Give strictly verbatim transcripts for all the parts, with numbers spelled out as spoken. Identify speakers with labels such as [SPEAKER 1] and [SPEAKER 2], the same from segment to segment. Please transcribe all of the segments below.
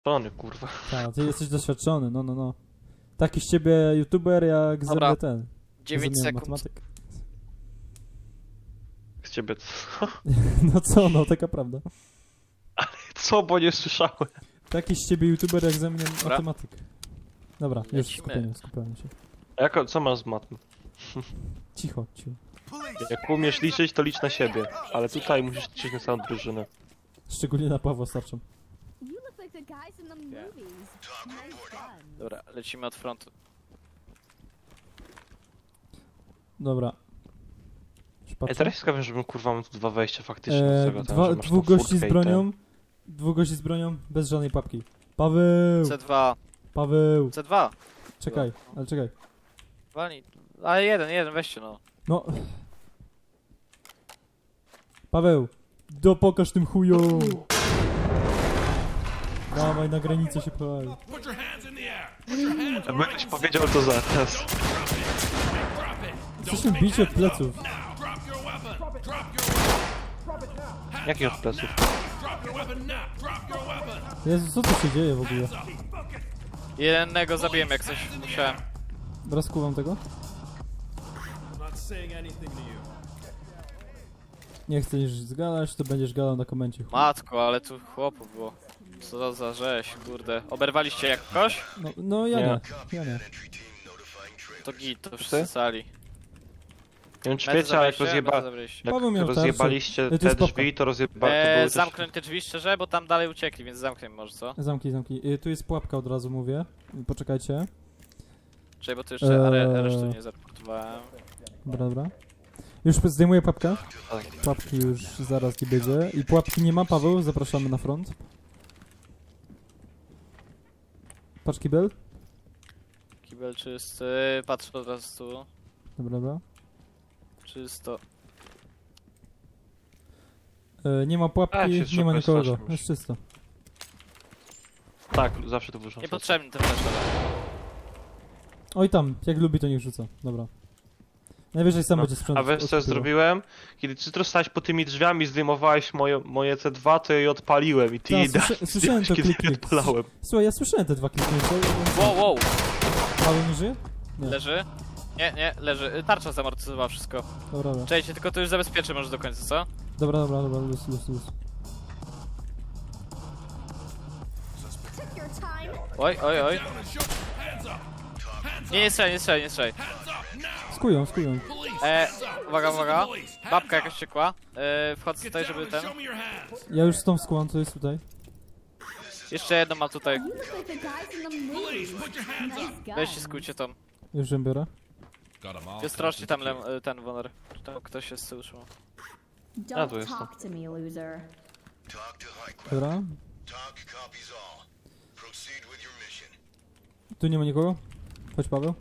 [SPEAKER 1] Doświadczony, kurwa.
[SPEAKER 2] Tak, ty jesteś doświadczony, no, no, no. Taki z ciebie youtuber jak ze mnie ten.
[SPEAKER 3] dziewięć
[SPEAKER 2] ze mnie
[SPEAKER 3] sekund.
[SPEAKER 2] matematyk.
[SPEAKER 1] Z ciebie co?
[SPEAKER 2] No co, no, taka prawda.
[SPEAKER 1] Co, bo nie słyszałem.
[SPEAKER 2] Taki z ciebie youtuber jak ze mnie
[SPEAKER 3] Dobra.
[SPEAKER 2] matematyk. Dobra, już
[SPEAKER 3] Lecimy.
[SPEAKER 2] skupienie, skupiamy się.
[SPEAKER 1] A jako, co masz z matmy?
[SPEAKER 2] Cicho, cicho.
[SPEAKER 1] Jak umiesz liczyć, to licz na siebie. Ale tutaj musisz liczyć na całą drużynę.
[SPEAKER 2] Szczególnie na Pawła starczą.
[SPEAKER 4] You look like the guys in the movies. Nice gun.
[SPEAKER 3] Dobra, lecimy od frontu.
[SPEAKER 2] Dobra. Już
[SPEAKER 1] Ej,
[SPEAKER 2] patrzę.
[SPEAKER 1] teraz ciekawe, żebym kurwa mam tu dwa wejścia faktycznie do
[SPEAKER 2] Eee,
[SPEAKER 1] tego, ten,
[SPEAKER 2] dwa,
[SPEAKER 1] że masz
[SPEAKER 2] dwóch
[SPEAKER 1] tą
[SPEAKER 2] gości z
[SPEAKER 1] furtkę i
[SPEAKER 2] bronią. Dwóch gości z bronią, bez żadnej papki. Paweł!
[SPEAKER 3] C dwa.
[SPEAKER 2] Paweł!
[SPEAKER 3] C dwa.
[SPEAKER 2] Czekaj, ale czekaj.
[SPEAKER 3] Walnij. Ale jeden, jeden, weźcie no.
[SPEAKER 2] No. Paweł! Dopokaż tym chujom! Dawaj, na granicę się pchaj.
[SPEAKER 1] ten. Jakby ktoś powiedział to zaraz.
[SPEAKER 2] Jesteśmy bici od pleców.
[SPEAKER 1] Jakich od pleców?
[SPEAKER 2] Jezu, co tu się dzieje w ogóle?
[SPEAKER 3] Jednego zabiłem jak coś musiałem.
[SPEAKER 2] Rozkuwam tego? Nie chcesz zgadać, to będziesz gadał na komencie. chuj.
[SPEAKER 3] Matko, ale tu chłopów było. Co za rzeź, kurde. Oberwaliście jakoś?
[SPEAKER 2] No, no ja
[SPEAKER 1] Nie.
[SPEAKER 2] nie, ja nie.
[SPEAKER 3] To git, to wszyscy sali.
[SPEAKER 1] Nie wiem czy
[SPEAKER 3] Medy
[SPEAKER 1] wiecie, ale jak,
[SPEAKER 3] zabraliście,
[SPEAKER 1] rozjeba...
[SPEAKER 3] medy zabraliście.
[SPEAKER 1] jak
[SPEAKER 2] Paweł miał
[SPEAKER 1] rozjebaliście
[SPEAKER 2] tarczę. To
[SPEAKER 1] te
[SPEAKER 2] jest popka.
[SPEAKER 1] drzwi, to rozjeba... to
[SPEAKER 3] Eee,
[SPEAKER 1] były też...
[SPEAKER 3] zamknąć te drzwi szczerze, bo tam dalej uciekli, więc zamknij może, co?
[SPEAKER 2] Zamknij, zamknij. Y, Tu jest pułapka, od razu mówię. Poczekajcie.
[SPEAKER 3] Czekaj, bo to jeszcze
[SPEAKER 2] Eee.
[SPEAKER 3] are, resztę nie zaraportowałem.
[SPEAKER 2] Dobra, dobra. Już zdejmuję pułapkę.
[SPEAKER 1] Tak.
[SPEAKER 2] Pułapki już zaraz nie będzie. I pułapki nie ma, Paweł, zapraszamy na front. Patrz kibel.
[SPEAKER 3] Kibel czysty, patrzę od razu tu.
[SPEAKER 2] Dobra, dobra.
[SPEAKER 3] Czysto.
[SPEAKER 2] E, nie ma
[SPEAKER 1] A,
[SPEAKER 2] pułapki,
[SPEAKER 1] się
[SPEAKER 2] nie ma
[SPEAKER 1] szybko
[SPEAKER 2] nikogo.
[SPEAKER 1] strasznie już.
[SPEAKER 2] Jest czysto.
[SPEAKER 1] Tak, zawsze to wyrzucam.
[SPEAKER 3] Niepotrzebny ten flash.
[SPEAKER 2] Oj tam, jak lubi to niech rzuca. Dobra. Najwyżej sam
[SPEAKER 1] No,
[SPEAKER 2] będzie sprzęt.
[SPEAKER 1] A wiesz co ja zrobiłem? Kiedy ty tu stałeś po tymi drzwiami, zdejmowałeś moje, moje C dwa, to je odpaliłem i ty
[SPEAKER 2] Ta,
[SPEAKER 1] jej
[SPEAKER 2] słysza-
[SPEAKER 1] dałeś,
[SPEAKER 2] słyszałem to
[SPEAKER 1] kiedy je
[SPEAKER 2] klik, klik.
[SPEAKER 1] odpalałem.
[SPEAKER 2] Słuchaj, ja słyszałem te dwa kliknięcia.
[SPEAKER 3] Wow, wow,
[SPEAKER 2] Paweł nie żyje? Nie.
[SPEAKER 3] leży? Nie, nie, leży. Y, Tarcza zamortyzowała wszystko.
[SPEAKER 2] Dobra, dobra.
[SPEAKER 3] Czekajcie, tylko to już zabezpieczę może do końca, co?
[SPEAKER 2] Dobra, dobra, dobra, luz, luz, luz.
[SPEAKER 4] Took your time.
[SPEAKER 3] Oj, oj, oj. Nie, nie strzelaj, nie strzelaj, nie strzelaj.
[SPEAKER 2] Skują, skują.
[SPEAKER 3] E, uwaga, uwaga. Babka jakaś ciekła. E, wchodzę tutaj, żeby ten...
[SPEAKER 2] Ja już z tą skułam, co jest tutaj.
[SPEAKER 3] Jeszcze jedno mam tutaj.
[SPEAKER 4] You look like the guys in the movies. Nice gun.
[SPEAKER 3] Weźcie, skójcie tam.
[SPEAKER 2] Już ją biorę.
[SPEAKER 3] I ostrożnie tam lem, e, ten Woner. Czy tam ktoś jest z tyłu trzymał.
[SPEAKER 4] Don't
[SPEAKER 1] tu jestem.
[SPEAKER 4] talk to me, loser.
[SPEAKER 2] Dobra.
[SPEAKER 5] Talk copies all. Proceed with your mission.
[SPEAKER 2] Tu nie ma nikogo. Chodź, Paweł.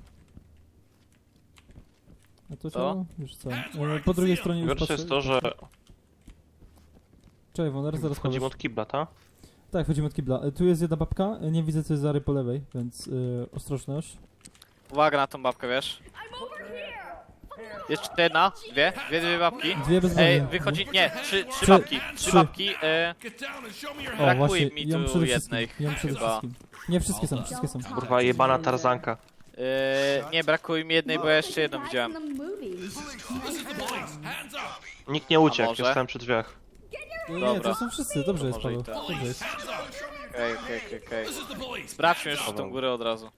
[SPEAKER 2] A to
[SPEAKER 3] Co?
[SPEAKER 2] ciało? Już co? E, po drugiej stronie już
[SPEAKER 1] Gorsze
[SPEAKER 2] patrzę.
[SPEAKER 1] jest to, że
[SPEAKER 2] Czekaj, Woner, zaraz
[SPEAKER 1] wchodzimy
[SPEAKER 2] powiesz.
[SPEAKER 1] od kibla, tak?
[SPEAKER 2] Tak, wchodzimy od kibla. E, tu jest jedna babka, e, nie widzę co jest Zary po lewej, więc y, ostrożność.
[SPEAKER 3] Uwaga na tą babkę, wiesz? Jeszcze jedna, dwie, dwie, dwie babki.
[SPEAKER 2] Dwie bez
[SPEAKER 3] Ej,
[SPEAKER 2] broni.
[SPEAKER 3] wychodzi, nie, trzy, trzy
[SPEAKER 2] Trzy,
[SPEAKER 3] babki, trzy
[SPEAKER 2] trzy.
[SPEAKER 3] babki. E,
[SPEAKER 2] O,
[SPEAKER 3] brakuje
[SPEAKER 2] właśnie,
[SPEAKER 3] mi
[SPEAKER 2] ją
[SPEAKER 3] tu
[SPEAKER 2] przede
[SPEAKER 3] jednej
[SPEAKER 2] wszystkim. Ją przede
[SPEAKER 3] chyba.
[SPEAKER 2] wszystkim. Nie, wszystkie są, wszystkie są.
[SPEAKER 4] Don't talk
[SPEAKER 1] Kurwa,
[SPEAKER 4] to
[SPEAKER 1] jebana
[SPEAKER 4] me, loser.
[SPEAKER 1] tarzanka.
[SPEAKER 3] e, nie, brakuje mi jednej, bo ja jeszcze jedną
[SPEAKER 4] Guys
[SPEAKER 3] widziałem.
[SPEAKER 4] in the movies. Nice gun.
[SPEAKER 1] Nikt nie uciekł,
[SPEAKER 3] może?
[SPEAKER 1] ja stałem przy drzwiach.
[SPEAKER 2] Nie, nie,
[SPEAKER 3] Dobra.
[SPEAKER 2] to są wszyscy, dobrze jest,
[SPEAKER 3] może i
[SPEAKER 2] Paweł.
[SPEAKER 3] tak.
[SPEAKER 2] Dobrze jest.
[SPEAKER 3] Okej, okej, okej, okej. Sprawdźmy już tą górę od razu.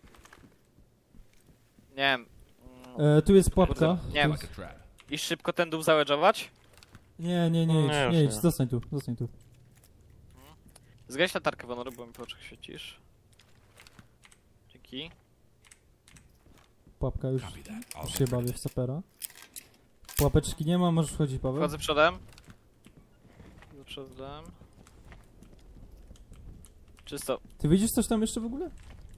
[SPEAKER 3] Nie wiem. mm,
[SPEAKER 2] E, tu jest pułapka.
[SPEAKER 3] Kurde, nie
[SPEAKER 2] Tu
[SPEAKER 3] wiem.
[SPEAKER 2] jest...
[SPEAKER 3] I szybko ten dół załedżować?
[SPEAKER 2] Nie, nie, nie,
[SPEAKER 1] Nie,
[SPEAKER 2] idź,
[SPEAKER 1] już
[SPEAKER 2] nie
[SPEAKER 1] nie.
[SPEAKER 2] idź, zostań tu, zostań tu.
[SPEAKER 3] Zgaś latarkę, Wonoru, bo mi po oczach świecisz. Dzięki.
[SPEAKER 2] Pułapka już, już się bawię w sapera. Pułapeczki nie ma, możesz wchodzić, Paweł.
[SPEAKER 3] Wchodzę przodem. Wchodzę przodem. Czysto.
[SPEAKER 2] Ty widzisz coś tam jeszcze w ogóle?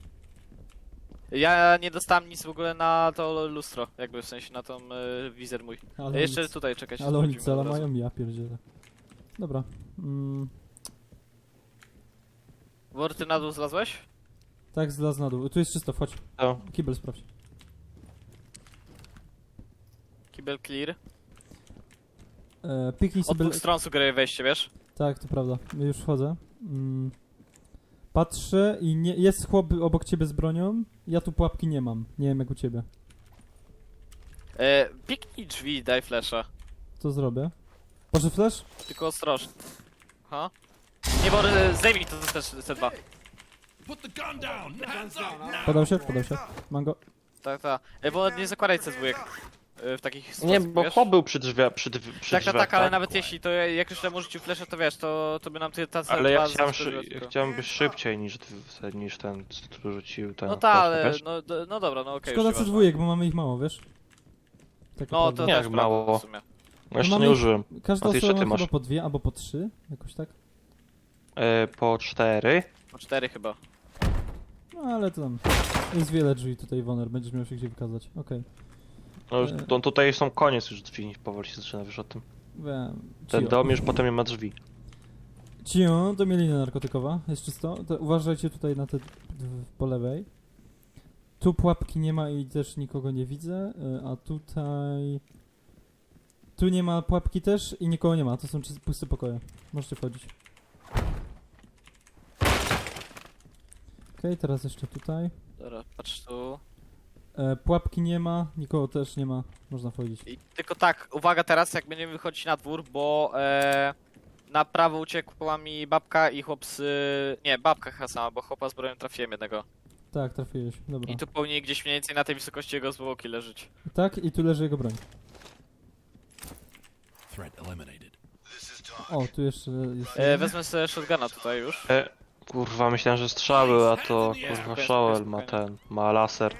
[SPEAKER 3] Ja nie dostałem nic w ogóle na to lustro, jakby w sensie na tą y, wizer mój.
[SPEAKER 2] Ale
[SPEAKER 3] Jeszcze
[SPEAKER 2] nic.
[SPEAKER 3] tutaj czekać.
[SPEAKER 2] Ale oni cela mają, ja pierdzielę. Dobra. Mm,
[SPEAKER 3] Wor, ty na dół zlazłeś?
[SPEAKER 2] tak, zlaz na dół. Tu jest czysto, wchodź.
[SPEAKER 1] To.
[SPEAKER 2] Kibel sprawdź.
[SPEAKER 3] Kibel clear.
[SPEAKER 2] E, piknij
[SPEAKER 3] Od
[SPEAKER 2] sobie...
[SPEAKER 3] dwóch stron sugeruję wejście, wiesz?
[SPEAKER 2] Tak, to prawda. Już wchodzę. Mm, Patrzę i nie, jest chłop obok ciebie z bronią, ja tu pułapki nie mam. Nie wiem jak u ciebie.
[SPEAKER 3] E, piknij drzwi, daj flasha.
[SPEAKER 2] Co zrobię? Proszę flash?
[SPEAKER 3] Tylko ostrożnie. Ha? Nie, bo e, zdejmij to też C dwa.
[SPEAKER 2] Podał się? Podał się. Mam go.
[SPEAKER 3] Tak, tak. E, bo nie zakładaj C dwa e, w takich
[SPEAKER 1] Nie,
[SPEAKER 3] sytuacjach,
[SPEAKER 1] bo
[SPEAKER 3] wiesz?
[SPEAKER 1] chłop był przy drzwiach, przy, drzwi- przy
[SPEAKER 3] Tak, tak,
[SPEAKER 1] drzwiach,
[SPEAKER 3] tak, ale nawet jeśli, to ja- jak już temu rzucił flasha, to wiesz, to, to by nam ty ta C dwa
[SPEAKER 1] Ale ja chciałem,
[SPEAKER 3] zaskoczyła
[SPEAKER 1] szy-
[SPEAKER 3] tylko.
[SPEAKER 1] ja chciałem być szybciej niż, ty- niż ten, co rzucił ten.
[SPEAKER 3] No tak, ale,
[SPEAKER 1] wiesz?
[SPEAKER 3] no, do- no dobra, no okej.
[SPEAKER 2] Szkoda
[SPEAKER 3] już
[SPEAKER 2] C
[SPEAKER 3] nieważne.
[SPEAKER 2] dwa, bo mamy ich mało, wiesz? Tak
[SPEAKER 3] No to
[SPEAKER 2] naprawdę.
[SPEAKER 1] Nie,
[SPEAKER 3] też
[SPEAKER 1] jak
[SPEAKER 3] prawda
[SPEAKER 1] mało.
[SPEAKER 3] w sumie.
[SPEAKER 1] No jeszcze
[SPEAKER 2] mamy
[SPEAKER 1] nie
[SPEAKER 2] ich-
[SPEAKER 1] użyłem.
[SPEAKER 2] Każda
[SPEAKER 1] A ty jeszcze
[SPEAKER 2] osoba
[SPEAKER 1] ty
[SPEAKER 2] ma
[SPEAKER 1] masz.
[SPEAKER 2] chyba po dwie albo po trzy, jakoś tak.
[SPEAKER 1] E, po cztery.
[SPEAKER 3] Po cztery chyba.
[SPEAKER 2] No ale to tam jest wiele drzwi tutaj, Woner, będziesz miał się gdzie wykazać. Okej.
[SPEAKER 1] No już,
[SPEAKER 2] E.
[SPEAKER 1] to, tutaj są koniec już drzwi, powoli się zaczyna, wiesz o tym.
[SPEAKER 2] Wiem.
[SPEAKER 1] Ten
[SPEAKER 2] Cio.
[SPEAKER 1] dom już potem nie ma drzwi.
[SPEAKER 2] Cio, to mielina narkotykowa, jest czysto. To uważajcie tutaj na te d- po lewej. Tu pułapki nie ma i też nikogo nie widzę, y, a tutaj... Tu nie ma pułapki też i nikogo nie ma, to są czys- puste pokoje. Możecie wchodzić. Okej, teraz jeszcze tutaj.
[SPEAKER 3] Dobra, patrz tu.
[SPEAKER 2] E, pułapki nie ma, nikogo też nie ma, można wchodzić.
[SPEAKER 3] I tylko tak, uwaga teraz, jak będziemy wychodzić na dwór, bo e, na prawo uciekła mi babka i chłop z... Nie, babka chyba sama, bo chłopa z bronią trafiłem jednego.
[SPEAKER 2] Tak, trafiłeś, dobra.
[SPEAKER 3] I tu powinien gdzieś mniej więcej na tej wysokości jego zwłoki leżeć.
[SPEAKER 2] Tak, i tu leży jego broń.
[SPEAKER 5] Threat eliminated. This is talk.
[SPEAKER 2] O, tu jeszcze jest...
[SPEAKER 3] E, wezmę sobie shotguna tutaj już.
[SPEAKER 1] E, kurwa, myślałem, że strzały, a to kurwa
[SPEAKER 3] spokojnie,
[SPEAKER 1] Shovel ma
[SPEAKER 3] spokojnie.
[SPEAKER 1] ten, ma laser.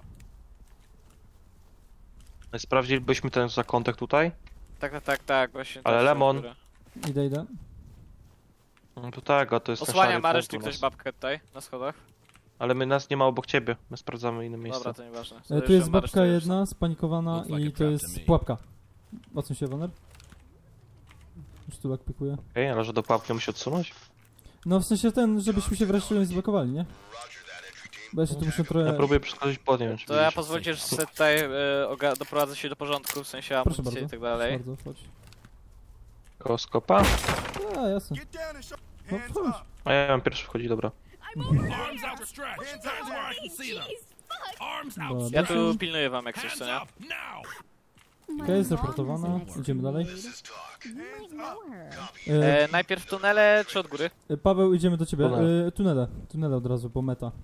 [SPEAKER 1] No i sprawdzilibyśmy ten zakątek tutaj?
[SPEAKER 3] Tak, tak, tak, tak, właśnie.
[SPEAKER 1] Ale
[SPEAKER 3] tak,
[SPEAKER 1] Lemon.
[SPEAKER 3] dobra.
[SPEAKER 2] Idę, idę.
[SPEAKER 1] No to tak, a to jest ten
[SPEAKER 3] Osłania
[SPEAKER 1] szary
[SPEAKER 3] ma
[SPEAKER 1] punkt
[SPEAKER 3] reszty
[SPEAKER 1] u
[SPEAKER 3] ktoś
[SPEAKER 1] nas.
[SPEAKER 3] babkę tutaj, na schodach.
[SPEAKER 1] Ale my nas nie ma obok ciebie, my sprawdzamy inne miejsce.
[SPEAKER 3] Dobra, to nieważne. To
[SPEAKER 2] E, tu
[SPEAKER 3] jeszcze
[SPEAKER 2] jest
[SPEAKER 3] ma resztę
[SPEAKER 2] babka
[SPEAKER 3] już.
[SPEAKER 2] jedna, spanikowana
[SPEAKER 5] Looks like
[SPEAKER 2] i
[SPEAKER 5] a
[SPEAKER 2] to
[SPEAKER 5] trap
[SPEAKER 2] jest
[SPEAKER 5] to me.
[SPEAKER 2] pułapka. Odsuń się, Woner. Już tu jak pikuje.
[SPEAKER 1] Okej, ale że do pułapki musi odsunąć?
[SPEAKER 2] No w sensie ten, żebyśmy się wreszcie nie zablokowali, nie? Bo ja się tu muszę
[SPEAKER 1] Ja
[SPEAKER 2] trochę...
[SPEAKER 1] próbuję przeskoczyć pod nim. czy
[SPEAKER 3] To ja
[SPEAKER 1] widzisz?
[SPEAKER 3] pozwólcie, że sobie tutaj e, oga- doprowadzę się do porządku, w sensie
[SPEAKER 2] Proszę
[SPEAKER 3] amunicji
[SPEAKER 2] bardzo.
[SPEAKER 3] i tak dalej.
[SPEAKER 2] Proszę bardzo, chodź.
[SPEAKER 1] Koło skopa?
[SPEAKER 2] A, jasne. No chodź.
[SPEAKER 1] A ja mam pierwszy wchodzi, dobra.
[SPEAKER 5] Arms outstretched. Hands where I can see them.
[SPEAKER 4] Jeez, fuck.
[SPEAKER 5] Arms
[SPEAKER 2] Dobra.
[SPEAKER 5] out.
[SPEAKER 3] Ja tu pilnuję wam jak coś,
[SPEAKER 5] Hands
[SPEAKER 3] co nie?
[SPEAKER 5] up now.
[SPEAKER 2] Okej, jest zreportowana. Idziemy dalej.
[SPEAKER 5] This is talk.
[SPEAKER 4] You might know her.
[SPEAKER 2] E,
[SPEAKER 3] E, najpierw tunele czy od góry?
[SPEAKER 2] e, Paweł, idziemy do ciebie.
[SPEAKER 1] Tunele.
[SPEAKER 2] E, tunele. Tunele od razu, bo meta.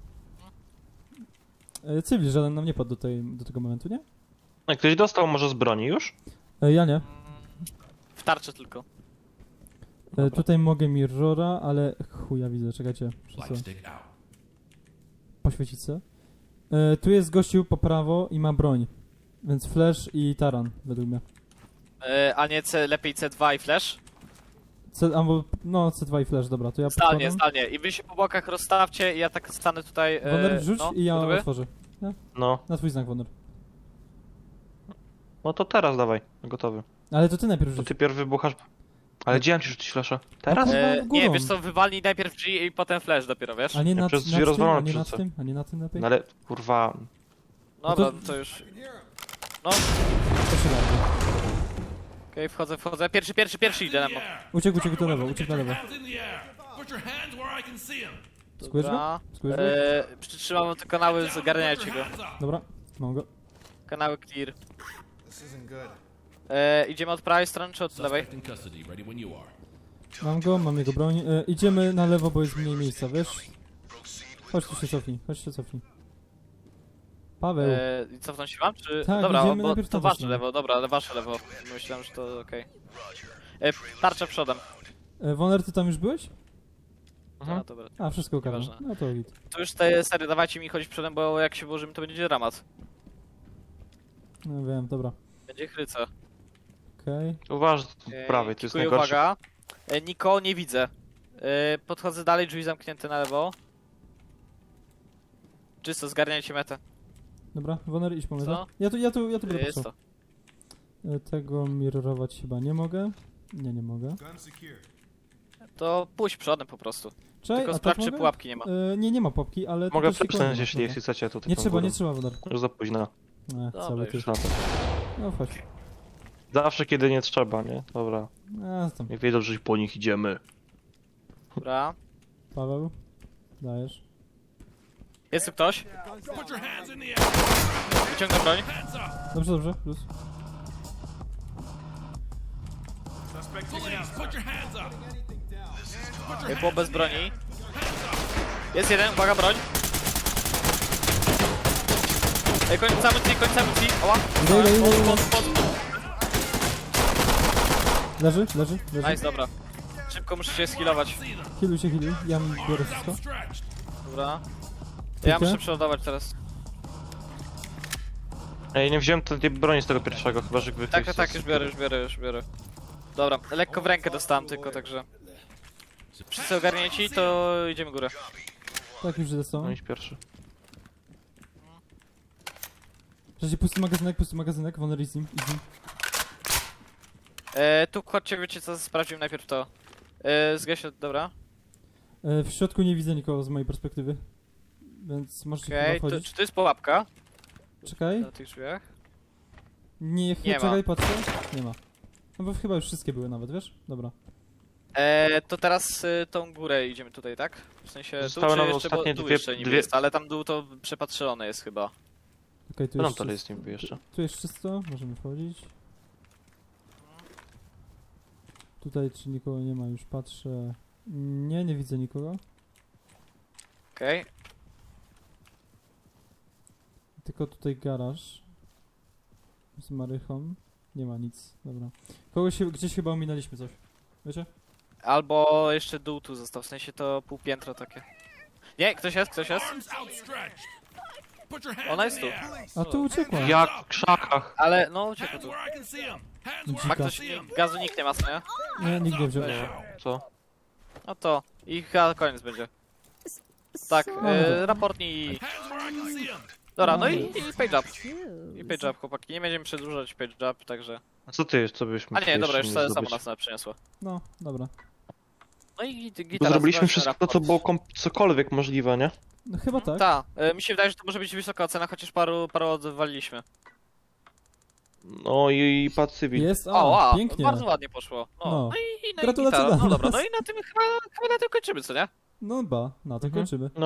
[SPEAKER 2] E, cywil żaden nam nie padł do, tej, do tego momentu, nie?
[SPEAKER 1] No, ktoś dostał może z broni już?
[SPEAKER 2] E, ja nie.
[SPEAKER 3] W tarczy tylko.
[SPEAKER 2] E, tutaj mogę mirrora, ale chuja widzę, czekajcie. Muszę
[SPEAKER 5] Light
[SPEAKER 2] sobie
[SPEAKER 5] stick out.
[SPEAKER 2] poświecić se. E, tu jest gościu po prawo i ma broń. Więc flash i taran, według mnie.
[SPEAKER 3] E, a nie C, lepiej C dwa i flash?
[SPEAKER 2] C, albo, no, C dwa i flash, dobra, to ja
[SPEAKER 3] Zdalnie,
[SPEAKER 2] podkładam.
[SPEAKER 3] zdalnie. I wy się po bokach rozstawcie i ja tak stanę tutaj... E,
[SPEAKER 2] Woner, rzuć
[SPEAKER 3] no,
[SPEAKER 2] i ja
[SPEAKER 3] gotowy?
[SPEAKER 2] otworzę.
[SPEAKER 1] No,
[SPEAKER 2] Na twój znak, Woner.
[SPEAKER 1] no to teraz dawaj, gotowy.
[SPEAKER 2] Ale to ty najpierw
[SPEAKER 1] To
[SPEAKER 2] rzuć.
[SPEAKER 1] ty pierw wybuchasz. Ale gdzie mam ci rzucić flasza? Teraz?
[SPEAKER 2] No,
[SPEAKER 3] E,
[SPEAKER 2] Górą.
[SPEAKER 3] nie, wiesz co, wywalnij najpierw G i potem flash dopiero, wiesz?
[SPEAKER 2] A nie
[SPEAKER 1] Ja
[SPEAKER 2] nad,
[SPEAKER 1] przez drzwi
[SPEAKER 2] nad tym, a
[SPEAKER 1] rozwalam
[SPEAKER 2] nie nad
[SPEAKER 1] wrzucę.
[SPEAKER 2] tym, a nie na tym lepiej?
[SPEAKER 1] No ale kurwa.
[SPEAKER 3] No
[SPEAKER 2] no to-
[SPEAKER 3] dobra, to już... No,
[SPEAKER 2] Proszę bardzo.
[SPEAKER 3] okej, wchodzę, wchodzę. Pierwszy, pierwszy, pierwszy idę na mo.
[SPEAKER 2] Uciekł, uciekł do lewo, uciekł na lewo.
[SPEAKER 5] Hands in the air. Put your hands where I can see them.
[SPEAKER 2] Skujesz go?
[SPEAKER 3] Dobra.
[SPEAKER 2] Skujesz go?
[SPEAKER 3] E, przytrzymam te kanały, zagarniajcie go.
[SPEAKER 5] Hands up.
[SPEAKER 2] Dobra, mam go.
[SPEAKER 3] Kanały clear.
[SPEAKER 5] This isn't good.
[SPEAKER 3] E, idziemy od prawej strony czy od lewej?
[SPEAKER 5] Suspect in custody. Ready when you are.
[SPEAKER 2] Mam go, mam jego broń. E, idziemy na lewo, bo jest mniej miejsca, wiesz? Chodź tu się cofnij, chodź się cofnij. Paweł,
[SPEAKER 3] E, i cofnąć się wam, czy...
[SPEAKER 2] Tak,
[SPEAKER 3] dobra,
[SPEAKER 2] idziemy
[SPEAKER 3] bo
[SPEAKER 2] najpierw
[SPEAKER 3] to
[SPEAKER 2] na
[SPEAKER 3] wasze
[SPEAKER 2] waszą.
[SPEAKER 3] lewo, dobra, ale wasze lewo. Myślałem, że to okej. E, tarcza przodem.
[SPEAKER 2] e, Woner, ty tam już byłeś?
[SPEAKER 1] Mhm.
[SPEAKER 3] A, dobra.
[SPEAKER 2] A, wszystko ogarnął.
[SPEAKER 3] Nieważne.
[SPEAKER 2] No to git.
[SPEAKER 3] To już te sery dawajcie mi chodzić przodem, bo jak się włożymy, to będzie dramat.
[SPEAKER 2] No wiem, dobra.
[SPEAKER 3] Będzie chryca.
[SPEAKER 2] Okej.
[SPEAKER 1] Uważaj z
[SPEAKER 3] E,
[SPEAKER 1] prawej, to jest
[SPEAKER 3] kikuję,
[SPEAKER 1] najgorsze.
[SPEAKER 3] uwaga. E, Niko, nie widzę. E, podchodzę dalej, drzwi zamknięte na lewo. Czysto, zgarniajcie metę.
[SPEAKER 2] Dobra, Woner, idź po mnie.
[SPEAKER 3] Co?
[SPEAKER 2] Ja tu, ja tu, ja tu będę
[SPEAKER 3] Jest
[SPEAKER 2] patrzał.
[SPEAKER 3] to.
[SPEAKER 2] E, Tego mirrorować chyba nie mogę. Nie, nie mogę.
[SPEAKER 5] Gun secure.
[SPEAKER 3] To pójdź przodem po prostu.
[SPEAKER 2] Czekaj,
[SPEAKER 3] Tylko
[SPEAKER 2] a
[SPEAKER 3] sprawdź,
[SPEAKER 2] tak
[SPEAKER 3] czy
[SPEAKER 2] mogę?
[SPEAKER 3] pułapki nie ma.
[SPEAKER 2] E, nie, nie ma popki, ale...
[SPEAKER 1] Mogę
[SPEAKER 2] tutaj się
[SPEAKER 1] przepchnąć,
[SPEAKER 2] kłania.
[SPEAKER 1] jeśli,
[SPEAKER 2] Dobra.
[SPEAKER 1] jeśli chcecie tutaj.
[SPEAKER 2] Nie
[SPEAKER 1] tą
[SPEAKER 2] trzeba,
[SPEAKER 1] górą.
[SPEAKER 2] nie trzeba, Woner.
[SPEAKER 1] Już za późno.
[SPEAKER 2] E,
[SPEAKER 3] Dobra,
[SPEAKER 2] cały
[SPEAKER 3] już
[SPEAKER 2] ty.
[SPEAKER 1] Już na to.
[SPEAKER 2] No chodź.
[SPEAKER 1] Zawsze kiedy nie trzeba, nie? Dobra.
[SPEAKER 2] A, tam.
[SPEAKER 1] Nie wiedzą, że po nich idziemy.
[SPEAKER 3] Dobra.
[SPEAKER 2] Paweł. Dajesz.
[SPEAKER 3] Jest tu ktoś? Wyciągnę broń.
[SPEAKER 2] Dobrze, dobrze, plus.
[SPEAKER 3] Chłop bez broni. Jest jeden, uwaga, broń. Ej, końca amunicji, końca amunicji. Oła.
[SPEAKER 2] Idę, idę, idę, idę.
[SPEAKER 3] Pod, pod, pod.
[SPEAKER 2] Leży, leży, leży.
[SPEAKER 3] Nice, dobra. Szybko muszę się skillować.
[SPEAKER 2] Healuj się, healuj. Ja biorę wszystko.
[SPEAKER 3] Dobra.
[SPEAKER 2] Tykę?
[SPEAKER 3] Ja muszę przeładować teraz.
[SPEAKER 1] Ej, nie wziąłem tej broni z tego pierwszego, chyba że wy
[SPEAKER 3] Tak, tak, tak, już biorę, już biorę, już biorę. Dobra, lekko w rękę dostałem tylko, także... Wszyscy ogarnięci, to idziemy górę.
[SPEAKER 2] Tak, już idę z
[SPEAKER 1] No
[SPEAKER 2] tobą.
[SPEAKER 1] idź pierwszy.
[SPEAKER 2] Przecież pusty magazynek, pusty magazynek, Woner i z nim, i z nim.
[SPEAKER 3] E, tu chodźcie, wiecie co, sprawdzimy najpierw to. E, zgaś, dobra.
[SPEAKER 2] E, w środku nie widzę nikogo z mojej perspektywy. Więc możecie
[SPEAKER 3] Okej,
[SPEAKER 2] chyba
[SPEAKER 3] to,
[SPEAKER 2] wchodzić.
[SPEAKER 3] czy to jest pułapka?
[SPEAKER 2] Czekaj.
[SPEAKER 3] Na tych drzwiach?
[SPEAKER 2] Nie,
[SPEAKER 3] Nie
[SPEAKER 2] nie
[SPEAKER 3] ma.
[SPEAKER 2] czekaj, patrzę. Nie ma. No bo chyba już wszystkie były nawet, wiesz? Dobra.
[SPEAKER 3] E, to teraz y, tą górę idziemy tutaj, tak? W sensie tu,
[SPEAKER 1] Zostały
[SPEAKER 3] czy
[SPEAKER 1] nam
[SPEAKER 3] jeszcze, bo
[SPEAKER 1] ostatnie
[SPEAKER 3] tu
[SPEAKER 1] dwie-
[SPEAKER 3] jeszcze niby
[SPEAKER 1] dwie-
[SPEAKER 3] jest, ale tam dół to przepatrzone jest chyba.
[SPEAKER 2] Okej, tu,
[SPEAKER 1] Co tam
[SPEAKER 2] jest
[SPEAKER 1] dalej
[SPEAKER 2] czysto.
[SPEAKER 1] jest niby jeszcze?
[SPEAKER 2] Tu jest czysto, możemy wchodzić. Tutaj czy nikogo nie ma, już patrzę. Nie, nie widzę nikogo.
[SPEAKER 3] Okej.
[SPEAKER 2] Tylko tutaj garaż. Z marychą. Nie ma nic, dobra. Kogoś się, gdzieś chyba ominęliśmy coś. Wiecie?
[SPEAKER 3] Albo jeszcze dół tu został, w sensie to pół piętro takie. Nie, ktoś jest, ktoś jest. Ona jest tu.
[SPEAKER 2] A tu uciekła.
[SPEAKER 1] Jak w krzakach.
[SPEAKER 3] Ale no uciekł tu. Ma
[SPEAKER 2] Dzika.
[SPEAKER 3] ktoś, gazu nikt nie ma, co nie?
[SPEAKER 2] Nie, nikt nie wziął.
[SPEAKER 1] Nie, co?
[SPEAKER 3] No to i chyba koniec będzie. Tak,
[SPEAKER 2] No,
[SPEAKER 3] e, raportnij i... Dobra, no i,
[SPEAKER 2] No.
[SPEAKER 3] i page up. I page up, chłopaki. Nie będziemy przedłużać page up, także...
[SPEAKER 1] A co ty jest, co byśmy
[SPEAKER 3] A nie, dobra, już
[SPEAKER 1] jeszcze
[SPEAKER 3] samo
[SPEAKER 1] zdobyć?
[SPEAKER 3] nas przyniosło.
[SPEAKER 2] No, dobra.
[SPEAKER 3] No i
[SPEAKER 1] Bo
[SPEAKER 3] gitara.
[SPEAKER 1] zrobiliśmy
[SPEAKER 3] zobaczmy
[SPEAKER 1] wszystko, co
[SPEAKER 3] raport.
[SPEAKER 1] było kom- cokolwiek możliwe, nie?
[SPEAKER 2] No chyba tak.
[SPEAKER 3] Tak, e, mi się wydaje, że to może być wysoka ocena, chociaż paru, paru odwaliliśmy.
[SPEAKER 1] No i, i patrz cywil.
[SPEAKER 2] Jest,
[SPEAKER 3] O,
[SPEAKER 2] o,
[SPEAKER 3] wow,
[SPEAKER 2] pięknie.
[SPEAKER 3] bardzo ładnie poszło. No,
[SPEAKER 2] No.
[SPEAKER 3] no, i, i, no i
[SPEAKER 2] Gratulacje
[SPEAKER 3] gitara.
[SPEAKER 2] dla
[SPEAKER 3] No dobra,
[SPEAKER 2] nas.
[SPEAKER 3] no i na tym chyba, chyba na tym kończymy, co nie?
[SPEAKER 2] No ba, na to
[SPEAKER 1] Mhm.
[SPEAKER 2] kończymy.